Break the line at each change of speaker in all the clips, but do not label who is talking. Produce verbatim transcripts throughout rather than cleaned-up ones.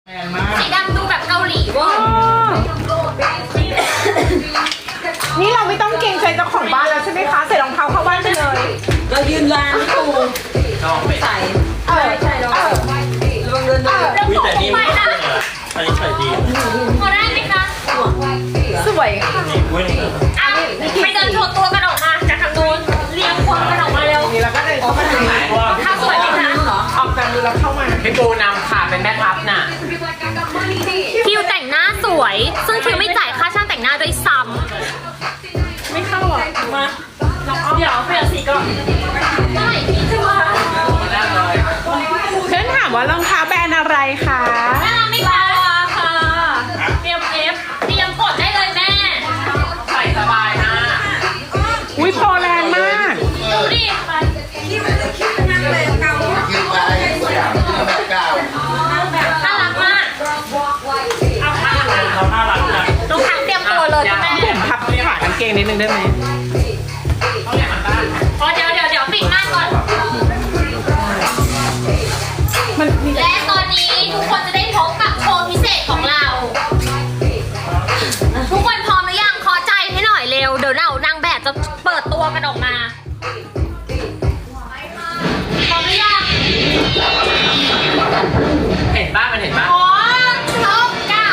สีดำดูแบบเกาหลีเว่า
นี่เราไม่ต้องเกรงใจเจ้าของบ้านแล้วใช่ไหมคะใส่รองเท้าเข้าบ้านไปเลย
เรายืนร้านตูใส่ใช่ใช่เราลงเดินเดิน
แล้วผมไปนะ
อันนี้ใส่ดี
พอได้ไหมคะ
สวยค่ะ
อ่ะไปเดินโชว์ตัวกันออกมาจากทางนู้นเรียงคนกันออกมาเร็ว
นี่แล้วก็เดินเข้ามาทางไหน
ถ้าสวยไหมคะ
ออกจากมือแล้วเข้ามา
พี่ปูนำค่ะเป็นแม่ทัพน่ะ
คิวแต่งหน้าสวยซึ่งคิวไม่จ่ายค่าช่างแต่งหน้าด้วยซ้ำ
ไม่เข้าอ่ะมา
เดี๋ยวเปลี่ยนสีก่อนได้พี่จะมา
เพื่อนถามว่ารองเท้าแบรนด์อะไรคะ
น่าไม่พอค่ะเตรียมเอฟเตรียมกดได้เลยแม่
ใส่สบายนะ
อุ้ยพอแรงมาก
ดูดิ
นั่งเลยเก่า
ยืนไปแบบเก่า
น่ารักมากเอาค่ะ
เขาน่ารักนะ
น้องทังเตรียมตัวเลยแม่
ผมพับขากางเกงนิดนึงได้ไหม
อ๋อเดี๋ยวเดี๋ยวเดี๋ยวปิดหน้าก่อนและตอนนี้ทุกคนจะได้พบกับโชว์พิเศษของเรา ทุกคนพร้อมหรือยังขอใจให้หน่อยเร็วเดี๋ยวเรานางแบบจะเปิดตัวกันออกมาพร้อมหรือยัง
เห็นบ้างมันเห็นบ้าง
พร้อมชกกับ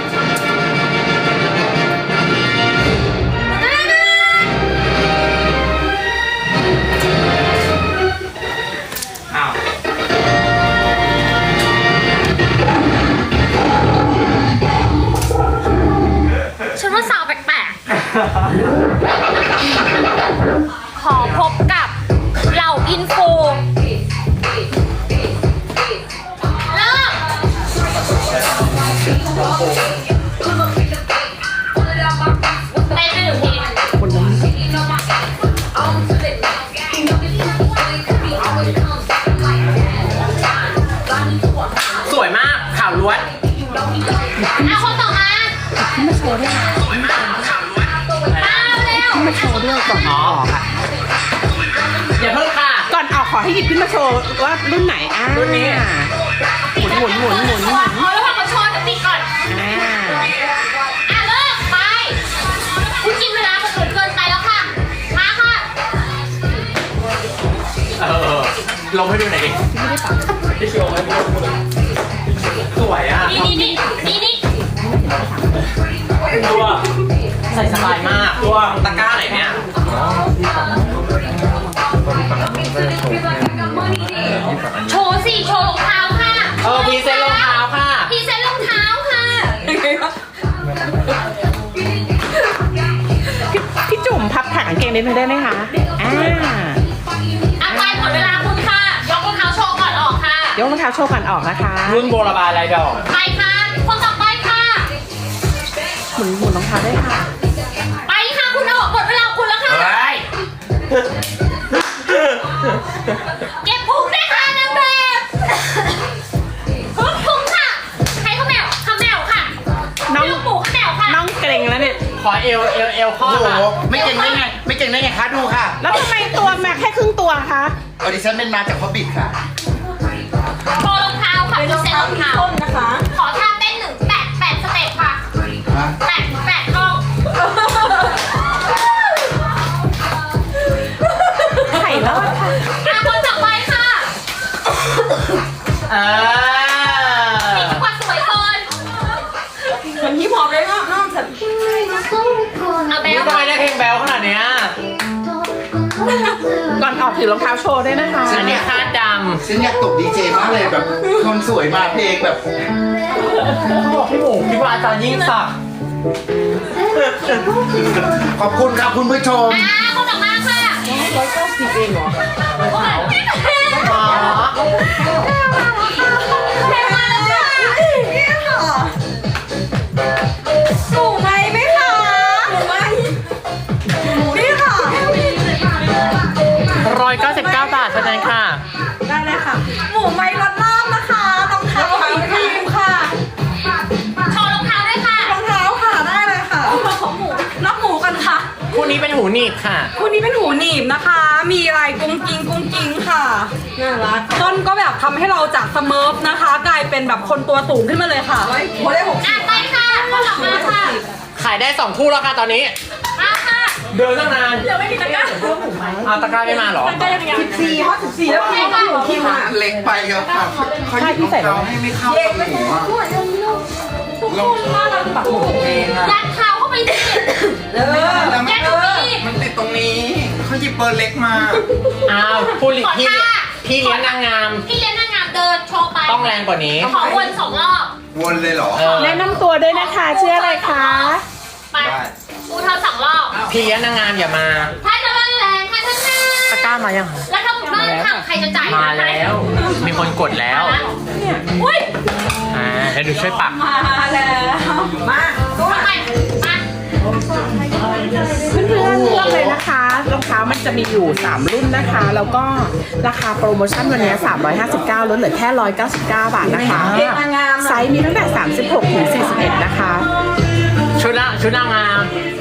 อ้าว
ฉันว่าสาวแปลกๆขอพบกับเหล่าอินฟูเริ่มเต้นไปหนึ่งที
สวยมากข่าวล้วน
อ่ะคนต่อมาขึ้นมาโชว์ด้วยมาเร็ว
ขึ้นมาโชว์ด้วยก่อนออกค่ะ
อย่าเพิ่งค่ะ
ก่อนออกขอให้หยิบขึ้นมาโชว์ว่ารุ่นไหนอ่า
รุ่นนี้
หมุนหมุนหมุนหมุนหมุน
ขอระหว่างมาโชว์จะปิดก่อน
อ่า
อ่ะเริ่มไปคุณกินเวลาคนอื่นเกินไปแล้วค่ะมาค่ะ
เออลงให้ดูหน่อยดิไม่ได้ปักพี่โชว์ให้ดูสวยอ่ะ
นี่นี่นี่นี่นี่
ตัวใส่สบายมากตัวตะกร้าไหนเนี่ย
โชว์สิโชว์รองเท้าค่ะ
เออพรีเซนต์รองเท้าค่ะ
พรีเซนต์รองเท้าค่ะ
พี่พี่จุ่มพับขากางเกงนิดนึงได้ไหมคะอ่า
อ่ะไปหมดเวลาคุณค่ะยกรองเท้าโชว์ก่อนออกค่ะ
ยกรองเท้าโชว์ก่อนออกนะคะ
รุ่นโบราณลายดอก
ไปค่ะคนต่อไปค่ะ
หมุนหมุนรองเท้าได้ค่ะ
ไปค่ะคุณออกหมดเวลาคุณแล้วค่ะ
เฮ้ย
เก็บพุงได้ค่ะนางแบบพุงพุงค่ะให้ข้าวแมวข้าวแมวค่ะ
น้อง
ลูกหมูข้าวแมวค่ะ
น้องเกรงแล้วเนี่ย
ขอเอวเอวเอวข้อ
โอ้โห
ค่ะ
ไม่เก่งได้ไง ไม่เก่งได้ไงคะดูค่ะ
แล้วทำไมตัวแม็กแค่ครึ่งตัวคะ
ออดิชั่นเป็นมาจากพอบบิทค่ะ
โชว์รองเท้าค่ะพรีเซนต์รองเท้า
ต้นนะคะ
ขอท่าเต้นหนึ่งแปดแปดสเต็ปค่ะ
ฮะ
แปดแปดห้อง
ไข่รอดค่ะ
อ่ะคนต่อไปค่ะ
เออ
มีจังหวะสวยเกิน
เหมือนฮิปฮอปเลยเนาะนอกจาก
เอาแบ
นี่
ล
ทำไมได้เพลงแบลขนาดเนี้ย
ก่อนออกถือรองเท้าโชว์ด้วยนะคะ
อันนี้คาดด
ฉันอยากตกดีเจมากเลยแบบคนสวยมาเพลงแบบ
ำเขาบอกพี่หมูพี่ว่าอาจารย์ยิ่งศักดิ์
ขอบคุณครับคุณผู้ชม
อ่ะคนต่อมาค่ะ
ร้อยเก้าสิบเองเหรอ
โอ้ยไม่เป็นไร
อ๋อ
แพงมาแล้วค่ะ
สูงไหมไหมคะสูงไหมนี่ค่ะ
ร้อยเก้าสิบเก้าบาทเท่านั้นค่ะ
ได้เลยค่ะ หมูไม้รสลาบนะคะรองเท้าสีครีมค่ะ
โชว์รองเท้าด้วยค่ะ
รองเท้าค่ะได้เลยค่ะของหมูรับหมูกันค่ะ
คู่นี้เป็นหูหนีบค่ะ
คู่นี้เป็นหูหนีบนะคะ มีลายกุ้งกิ้งกุ้งกิ้งค่ะน่ารักต้นก็แบบทำให้เราจากสเมิร์ฟนะคะ กลายเป็นแบบคนตัวสูงขึ้นมาเลยค่ะโอ้ได้หก
อ่ะไปค่ะข้าวหลังมาค่ะ
ขายได้สองคู่แล้วค่ะตอนนี้
มาค่ะ
เดินตั้งนาน
เดี๋ยวไม่มีตะกร้า
เอาตะกร้าไม่มาเหรอ
ตะกร้ายังยัง
สี่ฮอตสิบสี่แล้วพี่ก็อยู่คิวอ่ะ
เล็กไปครับครับเขาหยิบรองเท้าให้ไม่เข้ากับหมูอ่ะ
ทุกคนมาเราปักหมุด
เองอ่ะ
ยัดเท้าเข้าไปสิ
เออ
แล้วมัน
ยัดตรงนี้
มันติดตรงนี้เขาหยิบเบอร์เล็กมา
อ้าวผู้ลิ
ขอ
พี่
ท่า
พี่เลี้ยงนางงาม
พี่เลี้ยงนางงามเดินโชว์ไป
ต้องแรงกว่านี้
ขอวนสองรอบ
วนเลยเหรอ
เออ
แนะนำตัวด้วยนะคะชื่ออะไรคะ
ไป
ได้
อูเธอสองรอบ
พี่เลี้ยงนางงามอย่ามา
ถ้าจะมาแรงค่ะท่านแม่
ตะกร้ามายัง
แล้วถ้าผมเดินทางใครจะจ่าย
มาแล้ว มีคนกดแล้ว
อุ้ย
อ่าให้ดูช่วยปัก
มาแล้วมาตัว
ทำไมมา
เพื่อนๆเลือกเลยนะคะรองเท้ามันจะมีอยู่สามรุ่นนะคะ แล้วก็ราคาโปรโมชั่นวันนี้สามร้อยห้าสิบเก้าลดเหลือแค่หนึ่งร้อยเก้าสิบเก้าบาทนะคะ
เด็กนางงาม
ไซส์มีตั้งแต่สามสิบหกถึงสี่สิบเอ็ดนะคะ
ชุดละชุดนางงาม